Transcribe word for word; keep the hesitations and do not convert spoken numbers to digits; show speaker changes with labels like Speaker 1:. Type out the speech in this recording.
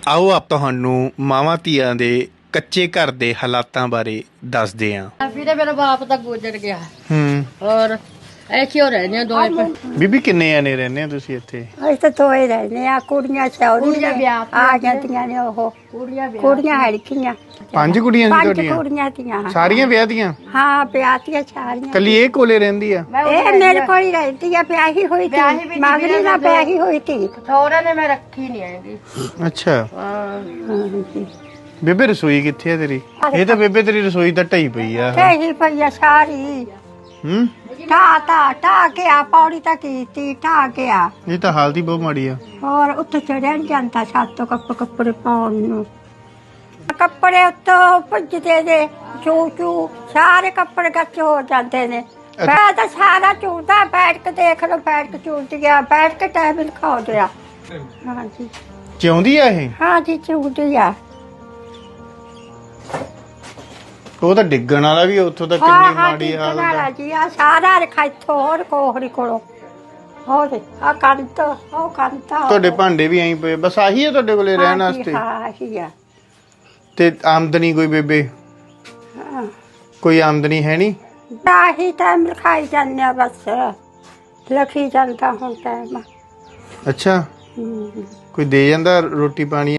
Speaker 1: ਆਓ ਆਪ ਤੁਹਾਨੂੰ ਮਾਵਾਂ ਧੀਆਂ ਦੇ ਕੱਚੇ ਘਰ ਦੇ ਹਾਲਾਤਾਂ ਬਾਰੇ ਦੱਸਦੇ ਹਾਂ।
Speaker 2: ਵੀਰੇ ਮੇਰਾ ਬਾਪ ਤਾਂ ਗੁਜ਼ਰ ਗਿਆ
Speaker 1: ਹੂੰ
Speaker 2: ਔਰ ਐਸੇ ਹੋ ਰਹੇ ਨੇ ਦੋਏ ਪੇ
Speaker 1: ਬੀਬੀ ਕਿੰਨੇ ਆਨੇ ਰਹਿੰਦੇ ਹੋ ਤੁਸੀਂ ਇੱਥੇ?
Speaker 3: ਅਸੀਂ ਤਾਂ ਤੋਏ ਰਹਿੰਦੇ ਆ ਕੁੜੀਆਂ ਸੌਰੀ
Speaker 2: ਕੁੜੀਆਂ ਵਿਆਹ
Speaker 3: ਆ ਜਾਂਦੀਆਂ ਨੇ ਉਹ
Speaker 2: ਕੁੜੀਆਂ ਵਿਆਹ
Speaker 3: ਕੁੜੀਆਂ ਹੜਕੀਆਂ
Speaker 1: ਪੰਜ ਕੁੜੀਆਂ ਸੀ
Speaker 3: ਪੰਜ
Speaker 1: ਤੁਹਾਡੀਆਂ?
Speaker 3: ਕੁੜੀਆਂ ਤੀਆਂ
Speaker 1: ਸਾਰੀਆਂ ਵਿਆਹ ਦੀਆਂ?
Speaker 3: ਹਾਂ ਪਿਆਤੀਆਂ ਸਾਰੀਆਂ
Speaker 1: ਕੱਲੀ ਇਹ ਕੋਲੇ ਰਹਿੰਦੀ ਆ?
Speaker 3: ਇਹ ਮੇਰੇ ਕੋਲ ਹੀ ਰਹਿੰਦੀ ਆ ਪਿਆਹੀ ਹੋਈ
Speaker 2: ਵਿਆਹੀ
Speaker 3: ਤੀ
Speaker 2: ਵੀ
Speaker 3: ਮਗਰੀ ਨਾ ਪਿਆਹੀ ਹੋਈ ਤੀ
Speaker 2: ਥੋੜਾ ਨੇ ਮੈਂ ਰੱਖੀ ਨਹੀਂ ਹੈਗੀ।
Speaker 1: ਅੱਛਾ
Speaker 2: ਹਾਂ
Speaker 1: ਬੇਬੇ ਰਸੋਈ ਕਿੱਥੇ ਆ ਤੇਰੀ? ਇਹ ਤਾਂ ਬੇਬੇ ਤੇਰੀ ਰਸੋਈ ਤਾਂ ਢਈ ਪਈ ਆ।
Speaker 3: ਢਹੀ ਪਈਆ ਸਾਰੀ
Speaker 1: ਹੂੰ
Speaker 3: ਢਾ ਢਾ ਢਾ ਕੇ ਆ ਪੌੜੀ ਤਾਂ ਕੀਤੀ ਢਾ ਕੇ ਆ
Speaker 1: ਇਹ ਤਾਂ ਹਾਲਤ ਹੀ ਬਹੁਤ ਮਾੜੀ ਆ।
Speaker 3: ਹੋਰ ਉੱਥੇ ਚੜਿਆ ਨੀ ਜਾਂਦਾ ਛੱਤ ਤੋਂ ਕੱਪ ਕੱਪੜੇ ਪਾਉਣ ਨੂੰ ਕੱਪੜੇ ਉੱਤੋਂ ਭੁੱਜਦੇ ਨੇ ਚੂ ਚੂ ਸਾਰੇ ਕੱਪੜੇ ਕੱਚ ਹੋ ਜਾਂਦੇ ਨੇ ਮੈਂ ਤਾਂ ਸਾਰਾ ਚੂਦਾ ਬੈਠ ਕੇ ਦੇਖ ਲਓ ਬੈਠ ਕੇ ਚੂਦ ਗਿਆ ਬੈਠ ਕੇ ਟਾਈਮ ਖਾ ਗਿਆ ਹਾਂਜੀ
Speaker 1: ਚਾਹੁੰਦੀ ਆ ਇਹ?
Speaker 3: ਹਾਂਜੀ ਚੂਦੀ ਆ
Speaker 1: ਉਹ ਤਾਂ ਡਿੱਗਣ ਵਾਲਾ ਵੀ ਉੱਥੋਂ ਤਾਂ
Speaker 3: ਹਾਂ
Speaker 1: ਕਿੰਨੀ
Speaker 3: ਹਾਂ
Speaker 1: ਮਾੜੀ
Speaker 3: ਜੀ
Speaker 1: ਹਾਲਤ ਆ।
Speaker 3: ਜੀ ਆ ਸਾਰਾ ਰਖਾ ਇੱਥੋਂ ਹੋਰ ਕੋਹੜੀ ਕੋਲੋਂ ਹੋਰ ਆ ਕੰਤ ਉਹ ਕੰਤ
Speaker 1: ਤੁਹਾਡੇ ਭਾਂਡੇ ਵੀ ਐਂ ਪਏ ਬਸ ਆਹੀ ਆ ਤੁਹਾਡੇ ਕੋਲੇ ਰਹਿਣ ਵਾਸਤੇ?
Speaker 3: ਹਾਂ ਹੀ ਆ
Speaker 1: ਤੇ ਆਮਦਨੀ ਕੋਈ ਬੇਬੇ?
Speaker 3: ਹਾਂ
Speaker 1: ਕੋਈ ਆਮਦਨੀ ਹੈ ਨਹੀਂ?
Speaker 3: ਆਹੀ ਟਾਈਮ ਲਿਖਾਈ ਜਾਂਦੇ ਆ ਬਸ ਲਿਖੀ ਜਾਂਦਾ ਹੁਣ ਟਾਈਮ
Speaker 1: ਅੱਛਾ
Speaker 3: ਹੂੰ
Speaker 1: ਕੋਈ ਦੇ ਜਾਂਦਾ ਰੋਟੀ ਪਾਣੀ?